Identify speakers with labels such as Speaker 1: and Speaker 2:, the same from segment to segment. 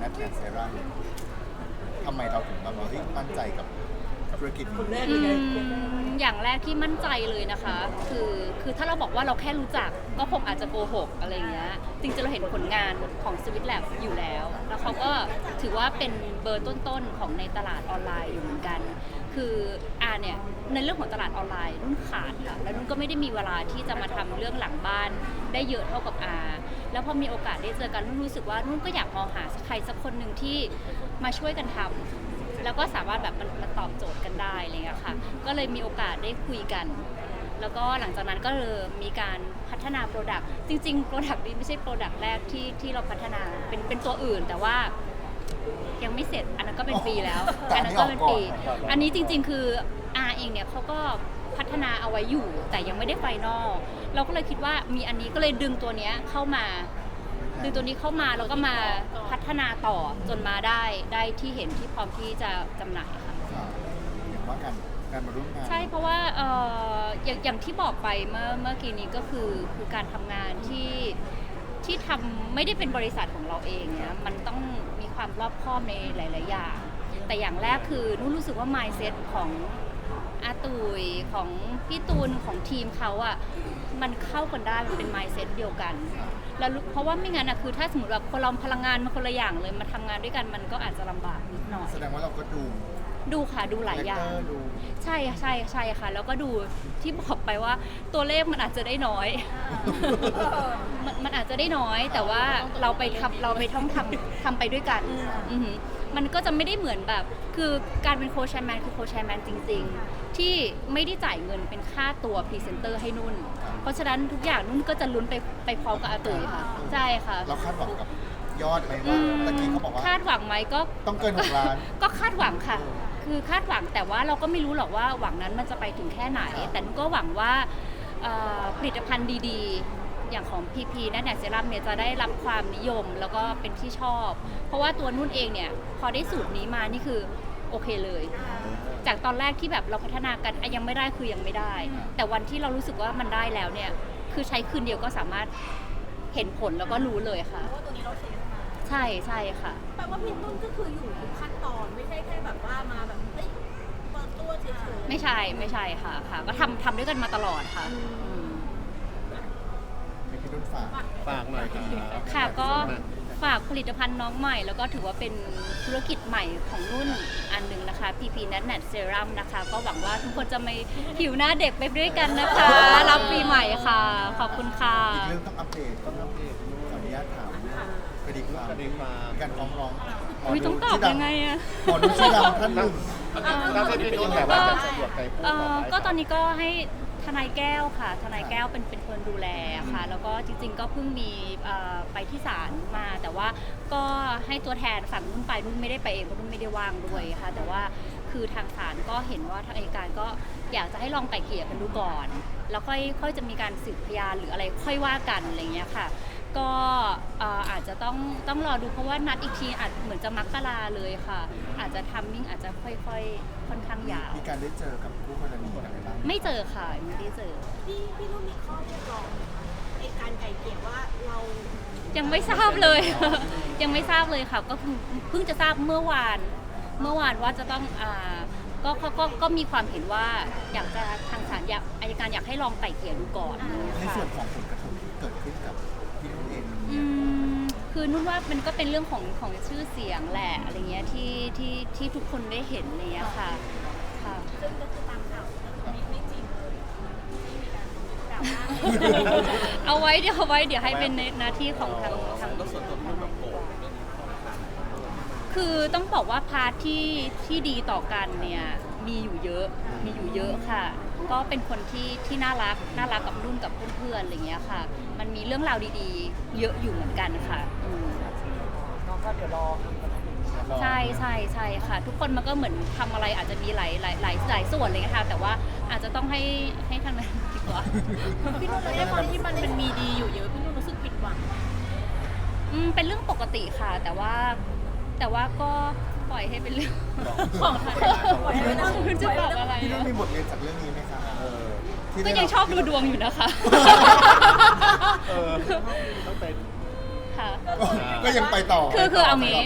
Speaker 1: นัทแอนเซรั่มทำไมเราถึงแบบว่ามั่นใจกับธุรกิจนี้
Speaker 2: อย่างแรกที่มั่นใจเลยนะคะ คือถ้าเราบอกว่าเราแค่รู้จักก็คงอาจจะโกหกอะไรเงี้ยจริงๆเราเห็นผลงานของ Sweet Lab อยู่แล้วแล้วเขาก็ถือว่าเป็นเบอร์ต้นๆของในตลาดออนไลน์อยู่เหมือนกันคือเนี่ยในเรื่องของตลาดออนไลน์นุ่นขาดค่ะแล้วนุ่นก็ไม่ได้มีเวลาที่จะมาทำเรื่องหลังบ้านได้เยอะเท่ากับแล้วพอมีโอกาสได้เจอกันนุ่นรู้สึกว่านุ่นก็อยากมองหาใครสักคนหนึ่งที่มาช่วยกันทำแล้วก็สามารถแบบมันตอบโจทย์กันได้อะไรเงี้ยค่ะก็เลยมีโอกาสได้คุยกันแล้วก็หลังจากนั้นก็เลยมีการพัฒนาโปรดักต์จริงๆโปรดักต์นี้ไม่ใช่โปรดักต์แรกที่เราพัฒนาเป็นตัวอื่นแต่ว่ายังไม่เสร็จอันนั้นก็เป็นปีแล้วอันนั้นก็เป็นปีอันนี้จริงๆคือเองเนี่ยเขาก็พัฒนาเอาไว้อยู่แต่ยังไม่ได้ไฟนอลเราก็เลยคิดว่ามีอันนี้ก็เลยดึงตัวนี้เข้ามาแล้วก็มาพัฒนาต่อจนมาได้ที่เห็นที่พร้อมที่จะจำหน่ายค่ะ
Speaker 1: อย่างว่าการมาร่วมงาน
Speaker 2: ใช่เพราะว่าอย่างที่บอกไปเมื่อกี้นี้ก็คือการทำงานที่ทำไม่ได้เป็นบริษัทของเราเองเนี่ยมันต้องมีความรอบคอบในหลายๆอย่างแต่อย่างแรกคือนุ่นรู้สึกว่า mindset ของอาตุยของพี่ตูนของทีมเขาอ่ะมันเข้ากันได้มันเป็น mindset เดียวกันแล้วเพราะว่าไม่งั้นคือถ้าสมมติแบบคนเราพลังงานมันคนละอย่างเลยมาทำงานด้วยกันมันก็อาจจะลำบากนิดหน่อย
Speaker 1: แสดงว่าเราก็ดู
Speaker 2: ค่ะดูหลายอย่างใช่ค่ะแล้วก็ดูที่บอกไปว่าตัวเลขมันอาจจะได้น้อย มันอาจจะได้น้อยแต่ว่าเราไปท่องทำไปด้วยกันมันก็จะไม่ได้เหมือนแบบคือการเป็นโค้ชแชร์แมนคือโค้ชแชร์แมนจริงๆที่ไม่ได้จ่ายเงินเป็นค่าตัวพรีเซนเตอร์ให้นุ่นเพราะฉะนั้นทุกอย่างนุ่นก็จะลุ้นไปพร้อมกับอาตุ๋ยค่ะใช่ค่ะ
Speaker 1: เราคาดหวังกับยอดไหมว่าตะกี้เขาบอกว่า
Speaker 2: คาดหวังไหมก็
Speaker 1: ต้องเกิน6 ล้าน
Speaker 2: ก็คาดหวังค่ะคือคาดหวังแต่ว่าเราก็ไม่รู้หรอกว่าหวังนั้นมันจะไปถึงแค่ไหนแต่นุ่นก็หวังว่าผลิตภัณฑ์ดีๆอย่างของ PP นั่นแหละเซรั่มเนี่ยจะได้รับความนิยมแล้วก็เป็นที่ชอบเพราะว่าตัวนุ่นเองเนี่ยพอได้สูตรนี้มานี่คือโอเคเลยจากตอนแรกที่แบบเราพัฒนากันยังไม่ได้คือยังไม่ได้แต่วันที่เรารู้สึกว่ามันได้แล้วเนี่ยคือใช้คืนเดียวก็สามารถเห็นผลแล้วก็รู้เลยค่ะ
Speaker 3: ว่าตัวนี้เราเทสมา
Speaker 2: ใช่ค่ะ
Speaker 3: แปลว่าพี่นุ่นก็คืออยู่ทุกขั้นตอนไม่ใช่แค่แบบว่ามาแบบเปิดตัวเฉยๆ
Speaker 2: ไม่ใช่ค่ะก็ทำด้วยกันมาตลอดค่ะ
Speaker 1: พี่นุ่นฝากหน่อย
Speaker 2: ค่ะก็ฝากผลิตภัณฑ์น้องใหม่แล้วก็ถือว่าเป็นธุรกิจใหม่ของนุ่นอันหนึ่งนะคะ PP Nat Serum นะคะก็หวังว่าทุกคนจะไม่ผิวหน้าเด็กไปด้วยกันนะคะรับปีใหม่ค่ะขอบคุณค่ะ
Speaker 1: อีกเรื่องต้องอัปเดตขออนุญาตถามคดีความการฟ้องร้อง
Speaker 2: ต้องตอบยังไงอะ
Speaker 1: หมอดูชื่อดังท่านหนึ่ง
Speaker 4: เราจะเป็นแบบว่าจะสะดวกใจพูด
Speaker 2: ก็ตอนนี้ก็ให้ทนายแก้วค่ะทนายแก้วเป็นคนดูแลค่ะแล้วก็จริงๆก็เพิ่งมีไปที่ศาลมาแต่ว่าก็ให้ตัวแทนฝั่งนุ่นไปนุ่นไม่ได้ไปเองเพราะนุ่นไม่ได้ว่างด้วยค่ะแต่ว่าคือทางศาลก็เห็นว่าทางอัยการก็อยากจะให้ลองไกล่เกลี่ยกันดูก่อนแล้วค่อยจะมีการสืบพยานหรืออะไรค่อยว่ากันอะไรอย่างเงี้ยค่ะก็อาจจะต้องรอดูเพราะว่านัดอีกทีอาจเหมือนจะมกราเลยค่ะอาจจะทัมมิ่งอาจจะค่อยๆค่อนข้างยาว
Speaker 1: มีการได้เจอกับผู้กรณีอะไรบ้าง
Speaker 2: ไม่เจอค่ะไม่ได้เจอ
Speaker 3: พี่นุ่นมีข้อเรียกร้องในการไกล่เกลี่ยว่าเรา
Speaker 2: ยังไม่ทราบเลย ยังไม่ทราบเลยค่ะก็เพิ่งจะทราบเมื่อวานว่าจะต้องก็มีความเห็นว่าอยากจะทางศาลอัยการอยากให้ลองไกล่เกลี่ยดูก่อน
Speaker 1: ในส่วนของผลกระทบที่เกิดขึ้นกับพี่นุ่นเอง
Speaker 2: คือนุ่นว่ามันก็เป็นเรื่องของชื่อเสียงแหละอะไรเงี้ยที่ทุกคนได้เห็นเนี่ยค่ะ
Speaker 3: ซึ่งก็คือตามข่าวไม่จริงเลยไม่มีการกล่าวอ้าง
Speaker 2: เอาไว้เดี๋ยวให้เป็นหน้าที่ของทางคือต้องบอกว่าพาร์ทที่ดีต่อกันเนี่ยมีอยู่เยอะค่ะก็เป็นคนที่น่ารักกับนุ่นกับเพื่อนๆอะไรเงี้ยค่ะมันมีเรื่องราวดีๆเยอะอยู่เหมือนกันค่ะ
Speaker 4: น้องก็เดี๋ยวรอ
Speaker 2: ใช่ค่ะทุกคนมันก็เหมือนทำอะไรอาจจะมีหลายส่วนอะไรเงี้ยค่ะแต่ว่าอาจจะต้องให้ทางนั้นดีกว่า
Speaker 3: พี่นุ่นแล้วในความที่มันมีดีอยู่เยอะพี่นุ่นรู้สึกผิดหวัง
Speaker 2: เป็นเรื่องปกติค่ะแต่ว่าก็ปล่อยให้เป็นเรื่องของใครคุณจะบอกอะไร
Speaker 1: พี่นุ่นมีบทเรียนจากเรื่องนี้ไหมคะ
Speaker 2: ก็ยังชอบดูดวงอยู่นะคะ
Speaker 4: ต้องเป็น
Speaker 2: ค่ะ
Speaker 1: ก็ยังไปต่อ
Speaker 2: คือเอางี้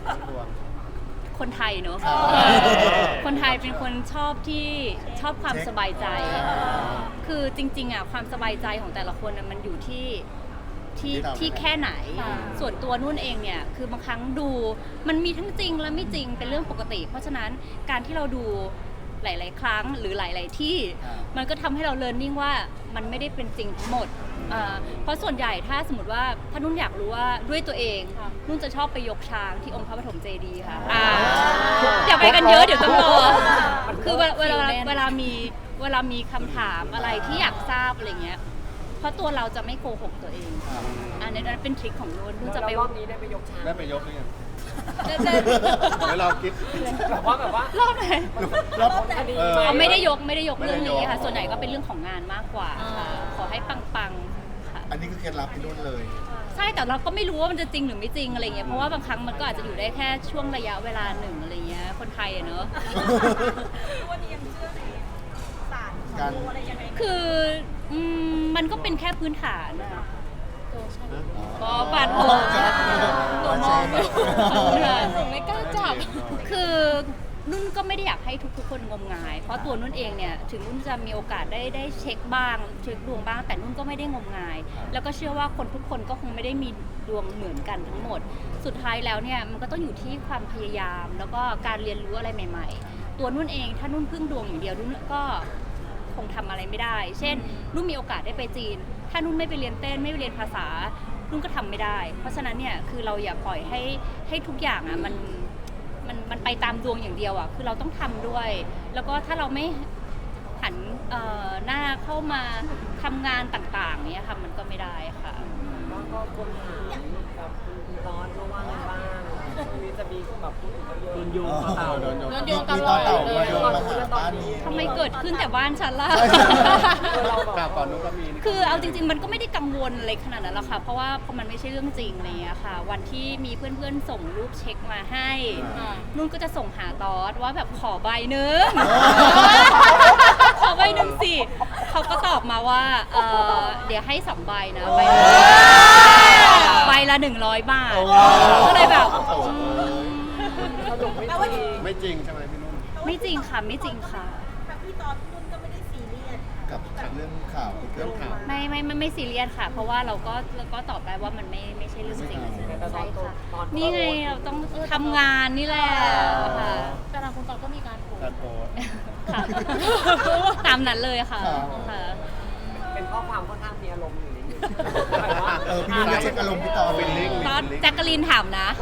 Speaker 4: ดวง
Speaker 2: คนไทยเนอะ
Speaker 1: อ่า
Speaker 2: คนไทยเป็นคนชอบความสบายใจ คือจริงๆอ่ะความสบายใจของแต่ละคนน่ะมันอยู่ที่แค่ไหน ส่วนตัวนุ่นเองเนี่ยคือบางครั้งดูมันมีทั้งจริงและไม่จริงเป็นเรื่องปกติ เพราะฉะนั้นการที่เราดูหลายๆครั้งหรือหลายๆที่ มันก็ทำให้เราเรียนรู้ว่ามันไม่ได้เป็นจริงทั้งหมดเพราะส่วนใหญ่ถ้าสมมติว่าถ้านุ่นอยากรู้ว่าด้วยตัวเองนุ่นจะชอบไปยกช้างที่องค์พระปฐมเจดีย์ค่ะอย่าไปกันเยอะเดี๋ยวต้องรอคือเวลามีคำถามอะไรที่อยากทราบอะไรเงี้ยเพราะตัวเราจะไม่โกหกตัวเองอันนี้เป็นทริคของนุ่นจะไป
Speaker 4: รอบนี้ได้ไปยกช้าง
Speaker 1: ได้ไปยกหรือยัง
Speaker 2: เดิน
Speaker 1: แล้วเราคิด
Speaker 4: แบบว่าร
Speaker 2: อบไหน
Speaker 1: รอบ
Speaker 4: คดี
Speaker 2: ไม่ได้ยกเรื่องนี้ค่ะ
Speaker 1: ไม่ได้ยก
Speaker 2: ส่วนใหญ่ก็เป็นเรื่องของงานมากกว่าค่ะขอให้ปังๆค่ะ
Speaker 1: อันนี้คือเคล็ดลับพี่นุ่นเลย
Speaker 2: ใช่แต่เราก็ไม่รู้ว่ามันจะจริงหรือไม่จริงอะไรเงี้ยเพราะว่าบางครั้งมันก็อาจจะอยู่ได้แค่ช่วงระยะเวลาหนึ่งอะไรเงี้ยคนไทยอะเนอะ
Speaker 3: วันนี้ยังเชื่อในศาสตร์
Speaker 1: การ
Speaker 3: อะไรยังไง
Speaker 2: คือมันก็เป็นแค่พื้นฐานอะ
Speaker 1: อ๋อ
Speaker 2: ปาดหัวตัวมอง
Speaker 3: หนูไม่กล้าจับ
Speaker 2: คือนุ่นก็ไม่ได้อยากให้ทุกคนงมงาย เพราะตัวนุ่นเองเนี่ยถึงนุ่นจะมีโอกาสได้เช็คบ้างเช็คดวงบ้างแต่นุ่นก็ไม่ได้งมงาย แล้วก็เชื่อว่าคนทุกคนก็คงไม่ได้มีดวงเหมือนกันทั้งหมด สุดท้ายแล้วเนี่ยมันก็ต้องอยู่ที่ความพยายาม แล้วก็การเรียนรู้อะไรใหม่ๆ ตัวนุ่นเองถ้านุ่นพึ่งดวงอย่างเดียวนุ่นก็คงทำอะไรไม่ได้ เช่นนุ่นมีโอกาสได้ไปจีน ถ้านุ่นไม่ไปเรียนเต้นไม่ไปเรียนภาษานุ่นก็ทำไม่ได้ เพราะฉะนั้นเนี่ยคือเราอย่าปล่อยให้ทุกอย่างอ่ะมันไปตามดวงอย่างเดียวอ่ะคือเราต้องทำด้วย แล้วก็ถ้าเราไม่หันหน้าเข้ามาทำงานต่างๆเนี่ยค่ะมันก็ไม่ได้ค่ะ
Speaker 4: ก็คนถามกับคุณร้อนว่าไงบ้างช่วงนี้จะมีแบบพูดถึงเขาเยอะโดนโยงต่อเต่า
Speaker 1: โดนโยง
Speaker 3: โดนโยงต
Speaker 1: มี
Speaker 3: ล
Speaker 1: ต่
Speaker 3: อ
Speaker 1: อ
Speaker 3: ด
Speaker 1: เต่า
Speaker 3: เลย
Speaker 1: มาโยงมาหาบ้านนี้
Speaker 2: ทำไมเกิดขึ้นแต่บ้านฉันล่ะ
Speaker 4: เราแบบ
Speaker 1: กล่าวก่อนนู้นก็มี
Speaker 2: คือเอาจริงๆมันก็ไม่ได้กังวลอะไรขนาดนั้นหรอกค่ะ เพราะว่าพอมันไม่ใช่เรื่องจริงอะไรเงี้ยค่ะ วันที่มีเพื่อนๆส่งรูปเช็คมาให้ นุ่นก็จะส่งหาตอสว่าแบบขอใบหนึ่ง ขอใบหนึ่งสิเขาก็ตอบมาว่าเดี๋ยวให้2 ใบนะใบละใบละ100 บาท ก็เลยแบบ
Speaker 4: สรุปไม่จริง
Speaker 1: ไม่จริงใช่ไหมพี่นุ่น
Speaker 2: ไม่จริงค่ะไม่จริงค่ะ
Speaker 3: ทั้งพี่ตอนพี่นุ่นก็ไม่ได้ซีเรียส
Speaker 1: กับเรื่องข่าวที่เกิดข่าว
Speaker 2: ไม่ซีเรียสค่ะ เพราะว่าเราก็ตอบได้ว่ามันไม่ใช่เรื่องจริงใช่ค่ะนี่ไงเราต้องทำงานนี่แหละค่ะ
Speaker 3: แต่ทางคุณตอนก็มีการโพส
Speaker 1: การโพสต์
Speaker 2: ค่ะ ตามนั้นเลยค่ะ
Speaker 1: ครับ
Speaker 2: ค่ะ
Speaker 4: เป็นข้อความค่อนข้างมีอารมณ์อยู่นิดนึง
Speaker 1: พี่นุ่นจะเช็คอารมณ์พี่ต่อฟิลลิ่ง
Speaker 2: ตอนแจ็คกะลีนถามนะ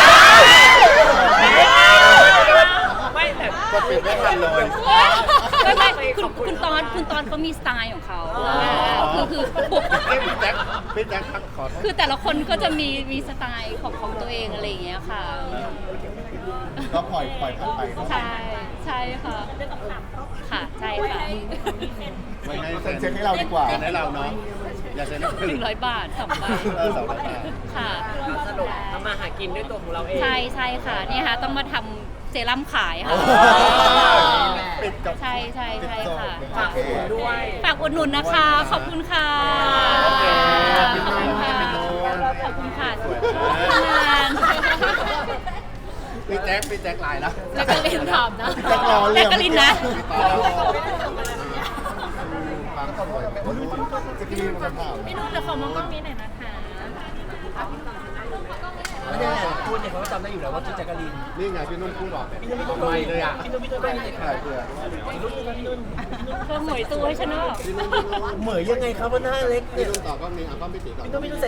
Speaker 4: ไม่แต่
Speaker 1: ก็ปิดไม่ทันเลย
Speaker 2: ไม่คุณตอนเขามีสไตล์ของเขาคือบุก
Speaker 1: พี่แจ็คขอโทษ
Speaker 2: คือแต่ละคนก็จะมีสไตล์ของตัวเองอะไรอย่างเงี้ยค่ะ
Speaker 1: ก็ปล่อยผ่านไปเนอะ
Speaker 2: ใช่ค่ะ
Speaker 3: ได้ต้องถามเขา
Speaker 2: ค่ะใช่ค่ะ
Speaker 1: ไม่ให้เซ็นเช็คให้เราดีกว่าเซ็นให้เราเนาะอย่าเซ็นให้คนอื่น
Speaker 2: 100 บาท2 บาท
Speaker 1: 200 บาท
Speaker 2: ค่ะ
Speaker 4: สรุปทำมาหากินด้วยตัวของเราเอง
Speaker 2: ใช่ค่ะนี่ค่ะต้องมาทำเซรั่มขายค่ะ
Speaker 1: ปิดจบ
Speaker 2: ใช่ค่ะ
Speaker 4: ฝากคุณด้วย
Speaker 2: ฝากอุดหนุนนะคะ ขอบคุณค่ะ
Speaker 1: โอเค
Speaker 2: ขอบคุณค่ะ ขอบคุณค่ะ
Speaker 1: สวย
Speaker 2: ทำงาน
Speaker 1: พี่แจ็คไลน์แล้ว
Speaker 2: แจ็คกะลินถามนะ
Speaker 1: พี่แจ็ครอเรีย
Speaker 2: แจ็คกะลินนะ
Speaker 1: ฟังสวยจะกินคำถาม
Speaker 3: พี่นุ่นจะขอมองกล้องนี้หน่อยนะคะ
Speaker 4: ไม่ได้พูดเนี่ยเขาก็จำได้อยู่แล้วว่าชื่อแจ็คกะลีน
Speaker 1: นี่ไงพี่นุ่นพูดหรอก
Speaker 4: พี่นุ่น
Speaker 1: ไม่เลยอ่ะ
Speaker 4: พี่นุ่นก็มี
Speaker 1: ถ่ายเผื่อ
Speaker 4: พี่นุ่น
Speaker 2: เธอหมวยตัวให้ฉันเนอะ
Speaker 1: พี่นุ่น
Speaker 4: เหมยยังไงครับว่าหน้าเล็ก
Speaker 1: พี่นุ่นต่อก็มีอ่ะก็พี่ตีก่อน
Speaker 4: พี่นุ่น